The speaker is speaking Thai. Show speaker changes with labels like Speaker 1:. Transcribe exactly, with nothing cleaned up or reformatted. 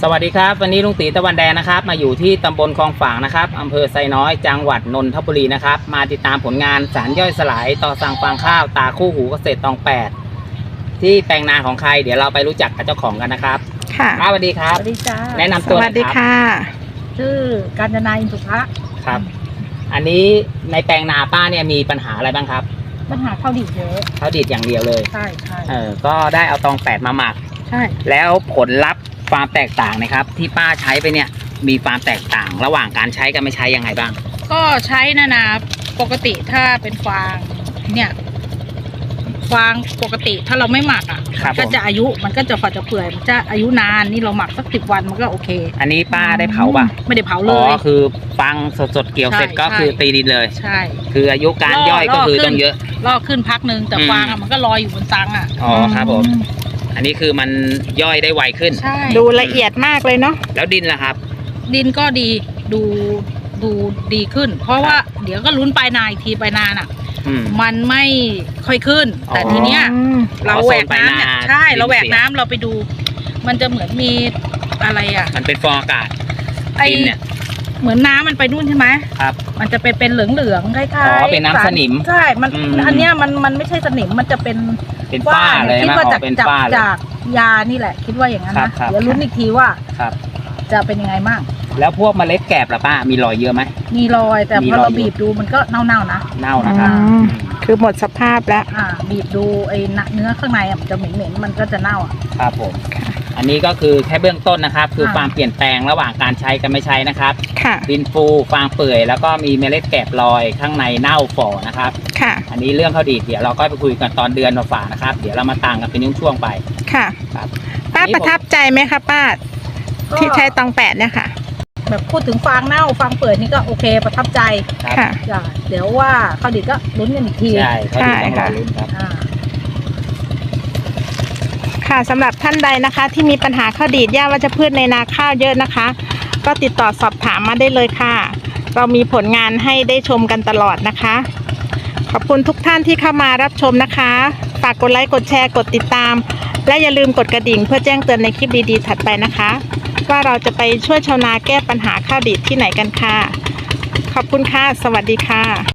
Speaker 1: สวัสดีครับวันนี้ลุงตีตะวันแดงนะครับมาอยู่ที่ตำบลคลองฝางนะครับอำเภอไซน้อยจังหวัดนนทบุรีนะครับมาติดตามผลงานสารย่อยสลายต่อสั่งฟางข้าวตาคู่หูเกษตรตองแปดที่แปลงนาของใครเดี๋ยวเราไปรู้จักกับเจ้าของกันนะครับ
Speaker 2: ค่ะ
Speaker 1: สวัสดีครับ
Speaker 3: สวัสดีจ้า
Speaker 1: แนะนำตัว
Speaker 2: สวัสดีค่ะ
Speaker 3: ชื่อกาญจนาอินทุภะ
Speaker 1: ครับอันนี้ในแปลงนาป้าเนี่ยมีปัญหาอะไรบ้างครับ
Speaker 3: ปัญหาข้าวดีดเยอะ
Speaker 1: ข้าวดีดอย่างเดียวเลย
Speaker 3: ใช่ใช่
Speaker 1: เออก็ได้เอาตองแปดมาหมัก
Speaker 3: ใช่
Speaker 1: แล้วผลลัพธ์ความแตกต่างนะครับที่ป้าใช้ไปเนี่ยมีความแตกต่างระหว่างการใช้กับไม่ใช้ยังไงบ้าง
Speaker 4: ก็ใช้นะนะปกติถ้าเป็นฟางเนี่ยฟางปกติถ้าเราไม่หมักอ่ะมันก็จะอายุมันก็จะฝาดจะเปื่อยมันจะอายุนานนี่เราหมักสักสิบวันมันก็โอเค
Speaker 1: อันนี้ป้าได้เผาป่ะ
Speaker 4: ไม่ได้เผาเลย
Speaker 1: อ๋อคือฟางสดๆเกี่ยวเสร็จก็คือตีดินเลย
Speaker 4: ใช่
Speaker 1: คืออายุการย่อยก็คือต้องเยอะ
Speaker 4: ลอกขึ้นพักนึงแต่ฟางอ่ะมันก็ลอยอยู่บนตังอ่ะ
Speaker 1: อ๋อครับผมอันนี้คือมันย่อยได้ไวขึ้น
Speaker 2: ดูละเอียดมากเลยเนาะ
Speaker 1: แล้วดินล่ะครับ
Speaker 4: ดินก็ดีดูดูดีขึ้นเพราะว่าเดี๋ยวก็ลุ้นปลายนาอีกทีปลายนาน่ะมันไม่ค่อยขึ้นแต่ทีเนี้ยเราแหวกน้ำเนี่ยใช่เราแหวกน้ำเราไปดูมันจะเหมือนมีอะไรอ่ะ
Speaker 1: มันเป็นฟองอากาศดินเนี่ย
Speaker 4: เหมือนน้ำมันไปนู่นใช่ไหม
Speaker 1: ครับ
Speaker 4: มันจะไปเป็นเหลืองๆคล้ายๆ
Speaker 1: อ๋อเป็นน้ำสนิม
Speaker 4: ใช่มันอันเนี้ยมันมันไม่ใช่สนิมมันจะเป็น
Speaker 1: เป็นฝ้าเลย
Speaker 4: คิดว่าจากจากจากยานี่แหละคิดว่าอย่างนั้นนะเดี๋ยวลุ้นอีกทีว่าจะเป็นยังไงบ้าง
Speaker 1: แล้วพวกเมล็ดแกบล่ะป้ามีรอยเยอะไหม
Speaker 4: มีรอยแต่พอเราบีบดูมันก็เน่าๆนะ
Speaker 1: เน่านะครับ
Speaker 2: คือหมดสภาพแล้ว
Speaker 4: อ่าบีบดูไอ้เนื้อข้างในมันจะเหม็นๆมันก็จะเน่าอ่ะ
Speaker 1: ครับผมอันนี้ก็คือแค่เบื้องต้นนะครับคือความเปลี่ยนแปลงระหว่างการใช้กับไม่ใช้นะครับดินฟูฟางเปื่อยแล้วก็มีเมล็ดแกบลอยข้างในเน่าฝ่อนะครับ
Speaker 2: ค่ะ
Speaker 1: อันนี้เรื่องข้าวดีดเดี๋ยวเราก็ไปคุยกันตอนเดือนฝ่านะครับเดี๋ยวเรามาต่างกันเป็นช่วงๆไป
Speaker 2: ค่ะครับป้าประทับใจไหมคะป้าที่ใช้ตองแปดเนี่ยค่ะ
Speaker 4: แบบพูดถึงฟางเน่าฟางเปื่อยนี่ก็โอเคประทับใจ
Speaker 2: ค่ะ
Speaker 4: เดี๋ยวว่าข้าวดีดก็ลุ้นกันอีกที
Speaker 1: ใช่ข้าวดีดต้องรอลุ้นครับ
Speaker 2: ค่ะสำหรับท่านใดนะคะที่มีปัญหาข้าวดีดหญ้าวัชพืชในนาข้าวเยอะนะคะก็ติดต่อสอบถามมาได้เลยค่ะเรามีผลงานให้ได้ชมกันตลอดนะคะขอบคุณทุกท่านที่เข้ามารับชมนะคะฝากกดไลค์กดแชร์กดติดตามและอย่าลืมกดกระดิ่งเพื่อแจ้งเตือนในคลิปดีๆถัดไปนะคะว่าเราจะไปช่วยชาวนาแก้ปัญหาข้าวดีดที่ไหนกันค่ะขอบคุณค่ะสวัสดีค่ะ